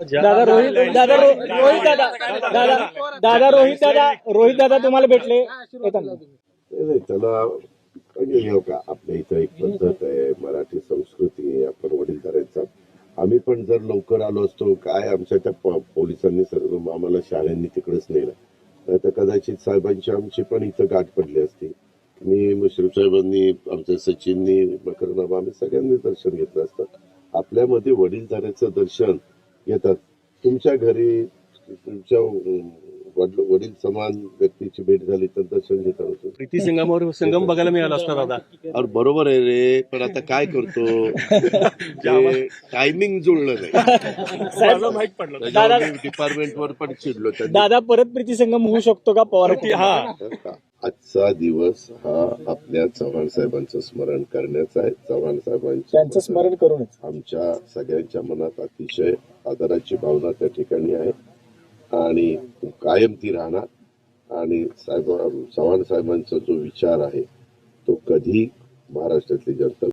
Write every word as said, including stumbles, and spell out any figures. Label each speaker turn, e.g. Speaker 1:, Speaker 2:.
Speaker 1: दादा रोहित दादा रो- रोहित दादा दादा दादा रोहित दादा रोहित दादा तुम्हाला भेटले येताना.
Speaker 2: नाही नाही, त्याला म्हणजे हे का आपल्या इथं एक पद्धत आहे, मराठी संस्कृती आहे, आपण वडीलधाऱ्यांचा. आम्ही पण जर लवकर आलो असतो, काय आमच्या त्या प- पोलिसांनी सर्व आम्हाला शाळांनी तिकडेच नेलं, नाही तर कदाचित साहेबांची आमची पण इथं गाठ पडली असती. मी मुश्रीफ साहेबांनी, आमच्या सचिननी, मकरनामा, आम्ही सगळ्यांनी दर्शन घेतलं असतं. आपल्यामध्ये वडीलधाऱ्याचं दर्शन येतात. तुमच्या घरी तुमच्या अं, वडील वडील समान व्यक्तीची भेट झाली तर दर्शन घेता होतं.
Speaker 3: प्रीती संगमावर संगम बघायला मिळाला असता दादा.
Speaker 2: अरे बरोबर आहे रे, पण आता काय करतो, टायमिंग जुळलं नाही.
Speaker 3: मला माहित पडलं
Speaker 2: त्याच्यावर मी डिपार्टमेंटवर पण चिडलो. त्यांनी
Speaker 1: दादा परत प्रीती संगम होऊ शकतो का पवार
Speaker 3: हा
Speaker 2: आजचा दिवस हा आपल्या चव्हाण साहेबांचं स्मरण करण्याचा आहे. चव्हाण
Speaker 1: त्यांचं
Speaker 2: साहेबांचं
Speaker 1: स्मरण करूनच
Speaker 2: आमच्या सगळ्यांच्या मनात अतिशय आदराची भावना त्या ठिकाणी आहे आणि कायम ती राहणार. आणि साहेब चव्हाण साहेबांचा जो विचार आहे तो कधी महाराष्ट्रातली जनता